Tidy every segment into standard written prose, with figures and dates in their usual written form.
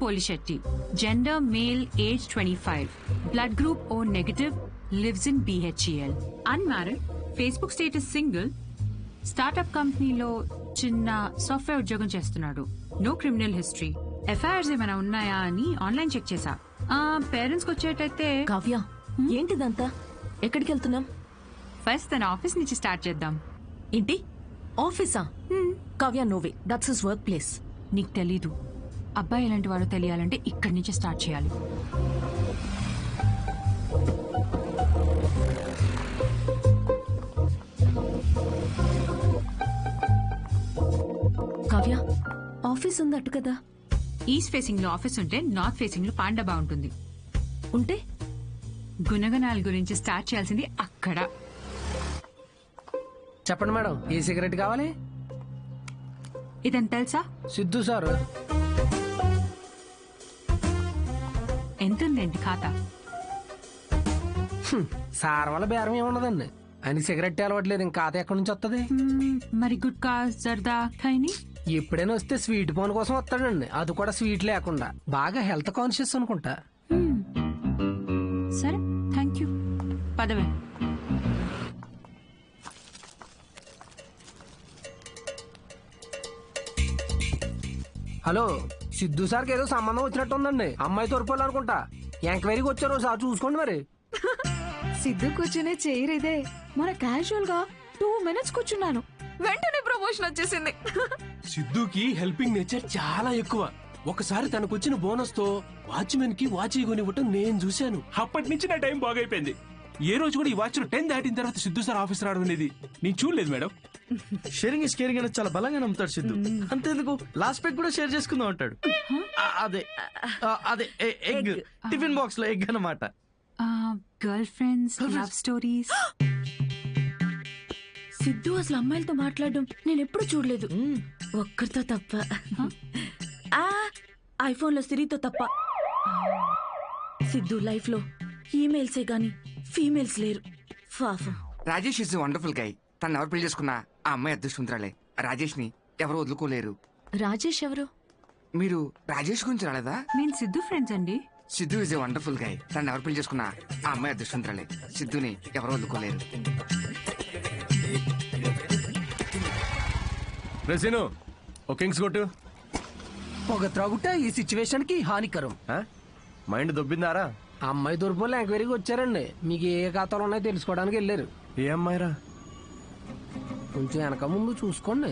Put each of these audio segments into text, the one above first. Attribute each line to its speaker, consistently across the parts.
Speaker 1: Polishetty. Gender male, age 25. Blood group O negative, lives in BHEL. Unmarried, Facebook status single. Startup కంపెనీలో చిన్న software ఉద్యోగం చేస్తున్నాడు. No criminal history. FIRs ఏమైనా ఉన్నాయా అని ఆన్లైన్ చెక్ చేశా. పేరెంట్స్కి వచ్చేటైతే.
Speaker 2: కావ్య, ఏంటిదంతా? ఎక్కడికి వెళ్తున్నాం?
Speaker 1: ఫస్ట్ తన ఆఫీస్ నుంచి స్టార్ట్ చేద్దాం.
Speaker 2: ఏంటి ఆఫీసా? Kavya, no way, that's his work place.
Speaker 1: నీకు తెలీదు. అబ్బాయి ఎలాంటి వాడో తెలియాలంటే ఇక్కడి నుంచి స్టార్ట్ చేయాలి.
Speaker 2: కావ్య, ఆఫీస్ ఉందట్టు కదా?
Speaker 1: ఈస్ట్ ఫేసింగ్ లో ఆఫీస్ ఉంటే నార్త్ ఫేసింగ్ లో పాండా బాగుంటుంది.
Speaker 2: ఉంటే
Speaker 1: గుణగణాల గురించి స్టార్ట్ చేయాల్సింది అక్కడ.
Speaker 3: చెప్పండి మేడం, ఏ సిగరెట్ కావాలి?
Speaker 1: ఇదని తెలుసా?
Speaker 3: సిద్ధు సార్.
Speaker 1: ఎంతుందండి ఖాతా?
Speaker 3: సార్ వల్ల బేరం ఏమున్నదండి. ఆయన సిగరెట్ అలవట్లేదు, ఇంకా ఖాతా ఎక్కడి నుంచి వస్తుంది?
Speaker 1: మరి గుట్కా జర్దా ఖైని
Speaker 3: ఎప్పుడైనా వస్తే స్వీట్ పోన్ కోసం వస్తాడండి, అది కూడా స్వీట్ లేకుండా. బాగా హెల్త్ కాన్షియస్ అనుకుంటా.
Speaker 1: సరే, థ్యాంక్ యూ. పదవే.
Speaker 3: హలో, సిద్ధు సార్కి ఏదో సంబంధం వచ్చినట్టు ఉందండి. అమ్మాయి తోరుపోలే అనుకుంటా. ఎంక్వైరీకి వచ్చారు, సార్ చూసుకోండి మరి.
Speaker 4: సిద్ధు కూర్చునే చైర్ ఇదే. మన క్యాజువల్ గా 2 minutes కూర్చున్నాను, వెంటనే ప్రమోషన్ వచ్చేసింది.
Speaker 5: సిద్ధుకి హెల్పింగ్ నేచర్ చాలా ఎక్కువ. ఒకసారి తనకొచ్చిన బోనస్ తో వాచ్మెన్ కి వాచ్ కొనివ్వటం నేను చూశాను. అప్పటి నుంచి నా టైం బాగైపోయింది. ఏ రోజు కూడా ఈ వాచ్ 10 దాటిన తర్వాత సిద్ధు సార్ ఆఫీస్ రావడం అనేది నేను చూడలేదు మేడం.
Speaker 6: షేరింగ్ ఇస్ కేరింగ్ అనేది చాలా బలంగా నమ్ముతాడు సిద్ధు. అంతేందుకు లాస్ట్ పెగ్ కూడా షేర్ చేసుకుందాం అంటాడు. అదే ఎగ్, టిఫిన్ బాక్స్ లో ఎగ్ అన్నమాట.
Speaker 1: Girl friends, love stories.
Speaker 2: Siddhu అసలు అమ్మాయిలతో మాట్లాడడం నేను ఎప్పుడు చూడలేదు, ఒక్కరితో తప్ప. ఐఫోన్ లో సిరితో తప్ప. సిద్ధు లైఫ్ లో ఈమెయిల్సే గాని ఫీమేల్స్ లేరు.
Speaker 7: Rajesh is wonderful guy. తను ఎవరు పెళ్లి చేసుకున్నా ఆ అమ్మాయి అదృష్టవంతురాలే. రాజేష్ ని ఎవరు వదులుకోలేరు.
Speaker 2: రాజేష్ ఎవరు?
Speaker 7: మీరు రాజేష్ గురించి రాలేదా?
Speaker 1: నేను సిద్ధు ఫ్రెండ్స్ అండి.
Speaker 7: Siddhu is a wonderful guy. తను ఎవరు పెళ్లి చేసుకున్నా ఆ అమ్మాయి అదృష్టవంతురాలే. సిద్ధుని ఎవరు వదులుకోలేరు.
Speaker 5: రసీను, ఓ కింగ్స్ కొట్టు.
Speaker 3: పొగ త్రాగుట ఈ సిచ్యువేషన్ కి హానికరం.
Speaker 5: మైండ్ దొబ్బిందారా?
Speaker 3: అమ్మాయి తోరుపోలే ఎంక్వైరీకి వచ్చారండి. మీకు ఏ ఖాతాలు ఉన్నాయో తెలుసుకోవడానికి వెళ్ళారు.
Speaker 5: ఏ అమ్మాయిరా?
Speaker 3: కొంచెం వెనక ముందు చూసుకోండి.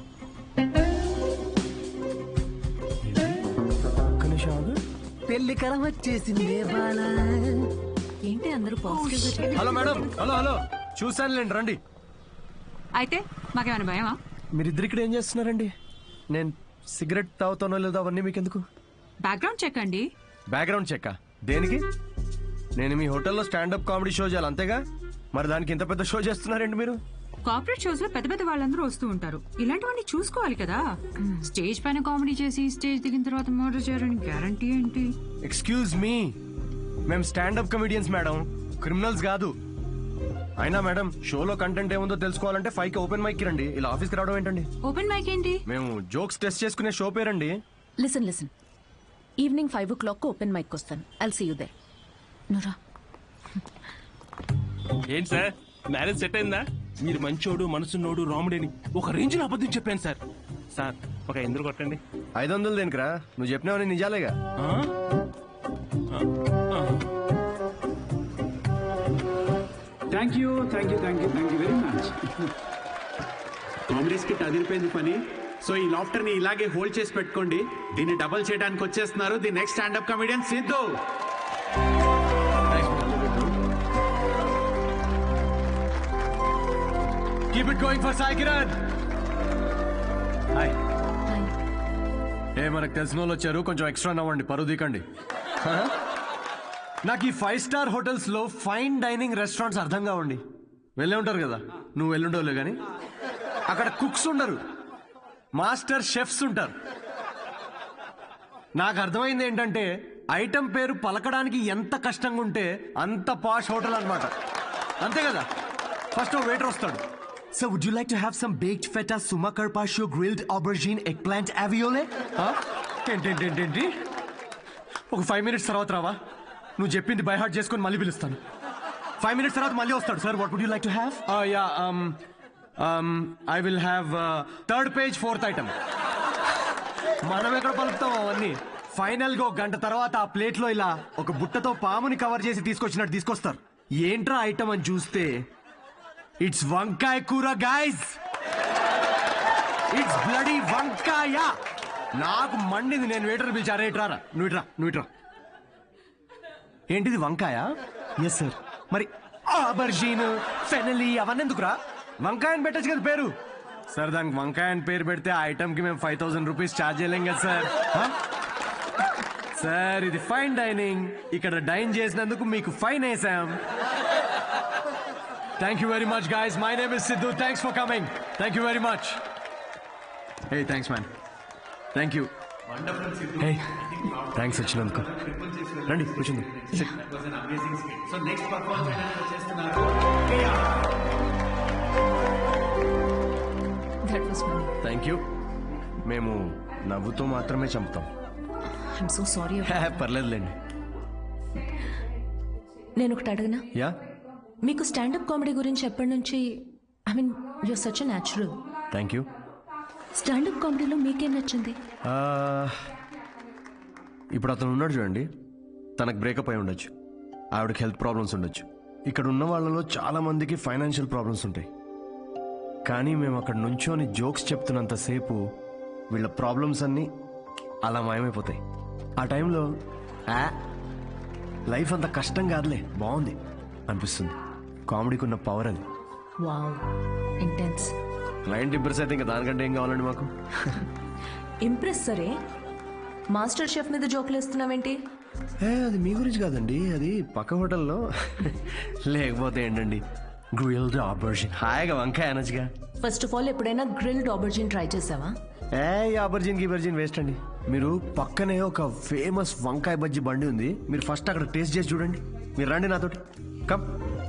Speaker 3: పెళ్లి కరం వచ్చేసింది.
Speaker 2: ఏంటి అందరూ పాజిటివ్?
Speaker 5: హలో మేడం, హలో చూసానులేండి, రండి.
Speaker 1: అయితే మాకేమైనా భయమా?
Speaker 5: మీరిద్దరు ఇక్కడ ఏం చేస్తున్నారండి? నేను సిగరెట్ తాగుతానో లేదో అవన్నీ మీకెందుకు?
Speaker 1: బ్యాక్గ్రౌండ్ చెక్ అండి.
Speaker 5: బ్యాక్గ్రౌండ్ చెక్ దేనికి? నేను మీ హోటల్లో స్టాండప్ కామెడీ షో చేయాలి, అంతేగా? మరి దానికి ఇంత పెద్ద షో చేస్తున్నారండి మీరు?
Speaker 1: కార్పొరేట్ షోస్ లో పెద్ద పెద్ద వాళ్ళందరూ వస్తూ ఉంటారు. ఇలాంటివన్నీ చూసుకోవాలి కదా. స్టేజ్ పైన కామెడీ చేసి స్టేజ్ దిగిన తర్వాత మర్డర్ చేయాలని గ్యారంటీ ఏంటి?
Speaker 5: ఎక్స్క్యూజ్ మీ, మేము స్టాండప్ కమెడియన్స్ మేడం, క్రిమినల్స్ కాదు. అయినా మేడం, షోలో కంటెంట్ ఏముందో తెలుసుకోవాలంటే 5కి ఓపెన్ మైక్ కి రండి. ఇలా ఆఫీస్కి రావడం ఏంటండి?
Speaker 1: ఓపెన్ మైక్ ఏంటి?
Speaker 5: మేము జోక్స్ టెస్ట్ చేసుకునే షో పేరండి.
Speaker 2: Listen, evening 5 o'clock open mic వస్తాను. I'll see you there. నురా.
Speaker 5: ఏంటి సార్, మ్యారేజ్ సెట్ అయిందా? మీరు మంచోడు, మనసున్నోడు, రాముడేని ఒక రేంజ్ లో అబద్ధం చెప్పాను సార్. సార్ ఒక ఎందుకు కొట్టండి. 500 దేనికిరా? నువ్వు చెప్పినావని నిజాలేగా.
Speaker 8: Thank you very much. Comedy skit అదిరిపోయింది పని. సో ఈ లాఫ్టర్ ని ఇలాగే హోల్డ్ చేసి పెట్టుకోండి. దీన్ని డబల్ చేయడానికి వచ్చేస్తున్నారు the next standup comedian Siddhu.
Speaker 5: Keep it going for Sai Kiran. Hi. మనకు తెలిసిన వాళ్ళు వచ్చారు, కొంచెం ఎక్స్ట్రా నవ్వండి, పరువు దీకండి. నాకు ఈ 5 star హోటల్స్ లో ఫైన్ డైనింగ్ రెస్టారెంట్స్ అర్థం కావండి. వెళ్ళే ఉంటారు కదా, నువ్వు వెళ్ళుండవులే కానీ. అక్కడ కుక్స్ ఉండరు, మాస్టర్ షెఫ్స్ ఉంటారు. నాకు అర్థమైంది ఏంటంటే, ఐటమ్ పేరు పలకడానికి ఎంత కష్టంగా ఉంటే అంత పాష్ హోటల్ అన్నమాట. అంతే కదా? ఫస్ట్ వెయిటర్ వస్తాడు. So would you like to have some baked feta, suma carpaccio, grilled aubergine, eggplant aviole? ఏంటి
Speaker 9: ఒక 5 minutes తర్వాత రావా? నువ్వు చెప్పింది బై హార్ట్ చేసుకొని మళ్ళీ పిలుస్తాను. 5 minutes తర్వాత మళ్ళీ వస్తాడు. Sir what would you like to have? Yeah I will have 3rd page 4th item. మనం ఎక్కడ పలుకుతాం అవన్నీ. ఫైనల్ గా 1 గంట తర్వాత ఆ ప్లేట్ లో ఇలా ఒక బుట్టతో పాముని కవర్ చేసి తీసుకొచ్చినట్టు తీసుకొస్తారు. ఏంట్రా ఐటమ్ అని చూస్తే ఇట్స్ వంకాయ కూర గైస్. ఇట్స్ బ్లడీ వంకాయ. నాకు మండింది. నేను వెయిటర్ పిలిచి అరే ఇట్రా నువ్వు ఇట్రా. ఏంటిది వంకాయ? Yes sir. మరి ఆబర్జీన్ ఫెనలీ అవన్నీ ఎందుకురా? వంకాయ అని పెట్టచ్చు కదా పేరు. సార్ దానికి వంకాయ అని పేరు పెడితే ఆ ఐటమ్ కి మేము 5,000 రూపీస్ ఛార్జ్ చేయలేం కదా సార్. సార్ ఇది ఫైన్ డైనింగ్. ఇక్కడ డైన్ చేసినందుకు మీకు ఫైన్ వేసాం. Thank you very much guys. My name is Siddhu. Thanks for coming. Thank you very much. Hey thanks man. Thank you. Hey thanks వచ్చినందుకు. రండి కూర్చుంది.
Speaker 2: That was funny.
Speaker 9: Thank you. మేము నవ్వుతూ మాత్రమే చంపుతాం.
Speaker 2: I'm so sorry.
Speaker 9: పర్లేదులేండి.
Speaker 2: నేను ఒకటి అడగనా?
Speaker 9: యా.
Speaker 2: మీకు స్టాండప్ కామెడీ గురించి ఎప్పటి నుంచి? I mean you're such a natural.
Speaker 9: Thank you.
Speaker 2: Standup కామెడీలో మీకేం నచ్చింది?
Speaker 9: ఇప్పుడు అతను ఉన్నాడు చూడండి, తనకు బ్రేకప్ అయి ఉండొచ్చు, ఆవిడకి హెల్త్ ప్రాబ్లమ్స్ ఉండొచ్చు. ఇక్కడ ఉన్న వాళ్ళలో చాలా మందికి ఫైనాన్షియల్ ప్రాబ్లమ్స్ ఉంటాయి. కానీ మేము అక్కడ నుంచోని జోక్స్ చెప్తున్నంతసేపు వీళ్ళ ప్రాబ్లమ్స్ అన్నీ అలా మాయమైపోతాయి. ఆ టైంలో లైఫ్ అంత కష్టం కాదులే, బాగుంది అనిపిస్తుంది. కామెడీకి ఉన్న పవర్ అది.
Speaker 2: Wow, intense.
Speaker 9: క్లయింట్ ఇంప్రెస్ అయితే ఇంకా దానికంటే ఏం కావాలండి మాకు?
Speaker 2: ఇంప్రెస్ సరే, మాస్టర్ షెఫ్ మీద జోకులు వేస్తున్నావేంటి?
Speaker 9: అది మీ గురించి కాదండి, అది పక్క హోటల్లో. లేకపోతే ఏంటండి, గ్రిల్డ్ ఆబర్జిన్. హాయిగా వంకాయ అనొచ్చుగా.
Speaker 2: ఫస్ట్ ఆఫ్ ఆల్ ఎప్పుడైనా గ్రిల్డ్ ఆబర్జిన్ ట్రై చేసావా?
Speaker 9: ఆబర్జిన్ గిబర్జిన్ వేస్ట్ అండి. మీరు పక్కనే ఒక ఫేమస్ వంకాయ బజ్జీ బండి ఉంది, మీరు ఫస్ట్ అక్కడ టేస్ట్ చేసి చూడండి. మీరు రండి నాతోటి, కమ్.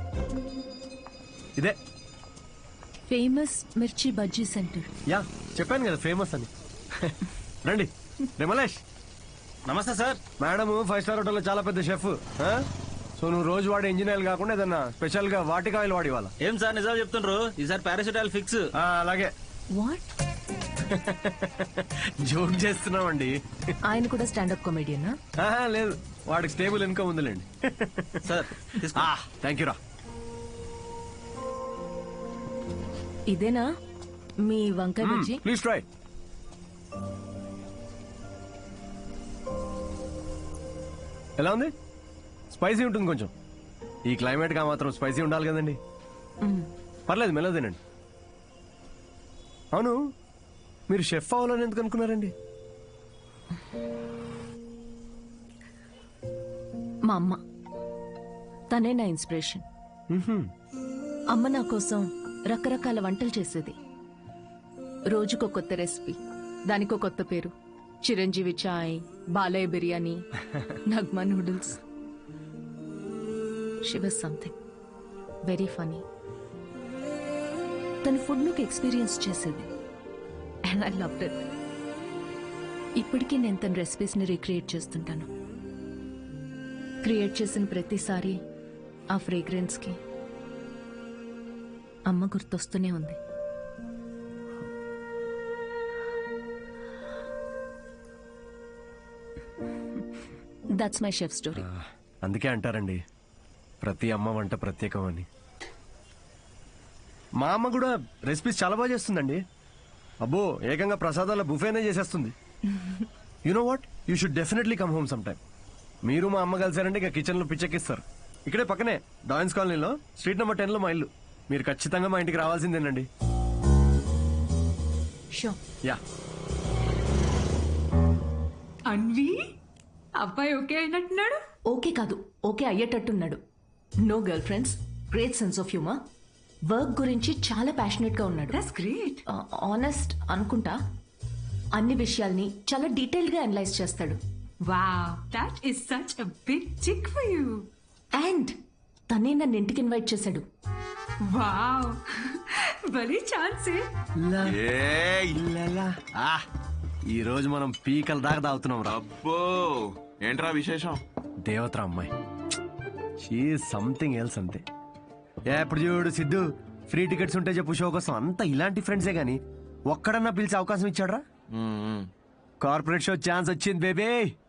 Speaker 9: ఇదే
Speaker 2: ఫేమస్ మిర్చి బజ్జీ సెంటర్.
Speaker 9: యా చెప్పాను కదా ఫేమస్ అని. రండి. రెమలేష్.
Speaker 6: నమస్తే సార్.
Speaker 9: మేడం 5 స్టార్ హోటల్లో చాలా పెద్ద షెఫ్. సో నువ్వు రోజు వాడే ఇంజిన్ కాకుండా ఏదన్నా స్పెషల్ గా వాటిక ఆయిల్ వాడి వాళ్ళ.
Speaker 6: ఏం సార్ నిజాలు చెప్తుండ్రు? ఈసారి పారాసిటాల్ ఫిక్స్.
Speaker 9: అలాగే.
Speaker 2: వాట్?
Speaker 9: జోక్ చేస్తున్నామండి.
Speaker 2: ఆయన కూడా స్టాండప్ కామెడియనా?
Speaker 9: లేదు, వాడికి స్టేబుల్ ఇన్కమ్ ఉందిలేండి.
Speaker 6: సార్
Speaker 9: థ్యాంక్ యూ రా.
Speaker 2: ఇదేనా మీ వంకాయ బజ్జీ?
Speaker 9: Please try. ఎలా ఉంది? స్పైసీ ఉంటుంది కొంచెం. ఈ క్లైమేట్ గా మాత్రం స్పైసీ ఉండాలి కదండి. పర్లేదు, మెల్లగా తినండి. అవును, మీరు షెఫ్ అవ్వాలని ఎందుకు అనుకున్నారండి?
Speaker 2: మా అమ్మ, తనే నా ఇన్స్పిరేషన్. అమ్మ నా కోసం రకరకాల వంటలు చేసేది. రోజుకో కొత్త రెసిపీ, దానికో కొత్త పేరు. Chiranjeevi chai, Balayya biryani, Nagma noodles. She was something very funny. తన ఫుడ్ మీకు ఎక్స్పీరియన్స్ చేసేది, అండ్ ఐ లవ్డ్ ఇట్. ఇప్పటికీ నేను తన రెసిపీస్ని రీక్రియేట్ చేస్తుంటాను. క్రియేట్ చేసిన ప్రతిసారి ఆ ఫ్రేగ్రెన్స్కి అమ్మ గుర్తొస్తూనే ఉంది. That's my chef story.
Speaker 9: అందుకే అంటారండి ప్రతి అమ్మ వంట ప్రత్యేకం అని. మా అమ్మ కూడా రెసిపీస్ చాలా బాగా చేస్తుందండి. అబ్బో, ఏకంగా ప్రసాదాల బుఫేనే చేసేస్తుంది. You know what, you should definitely come home some time. మీరు మా అమ్మ కలిసారంటే ఇక కిచెన్ లో పిచ్చెక్కిస్తారు. ఇక్కడే పక్కనే డాయన్స్ కాలనీలో స్ట్రీట్ నెంబర్ 10లో మా ఇల్లు. మీరు ఖచ్చితంగా మా ఇంటికి రావాల్సిందేనండి.
Speaker 2: షూర్.
Speaker 9: యా.
Speaker 1: అన్వి, అబ్బాయి ఓకే అయినట్టున్నాడు.
Speaker 2: ఓకే కాదు, ఓకే అయ్యేటట్టున్నాడు. No girl friends, great sense of humour. Work గురించి చాలా ప్యాషనెట్ గా ఉన్నాడు.
Speaker 1: That's great.
Speaker 2: ఆనెస్ట్ అనుకుంటా. అన్ని విషయాల్ని చాలా డీటెయిల్ గా అనలైజ్ చేస్తాడు.
Speaker 1: Wow, that is such a big tick for you.
Speaker 2: And తనే నన్ను ఇంటికి ఇన్వైట్ చేశాడు.
Speaker 1: వావ్, బలి ఛాన్సే.
Speaker 9: ఈ రోజు మనం పీకల దాకా తాగుతున్నాం రా.
Speaker 7: అబ్బో,
Speaker 10: ఏంట్రా విశేషం?
Speaker 9: దేవత అమ్మాయి షీ సంథింగ్ ఎల్స్ అంతే. ఎప్పుడు చూడు సిద్ధు ఫ్రీ టికెట్స్ ఉంటే చెప్పు షో కోసం. అంతా ఇలాంటి ఫ్రెండ్సే గానీ ఒక్కడన్నా పిలిచే అవకాశం ఇచ్చాడ్రా? కార్పొరేట్ షో ఛాన్స్ వచ్చింది బేబీ.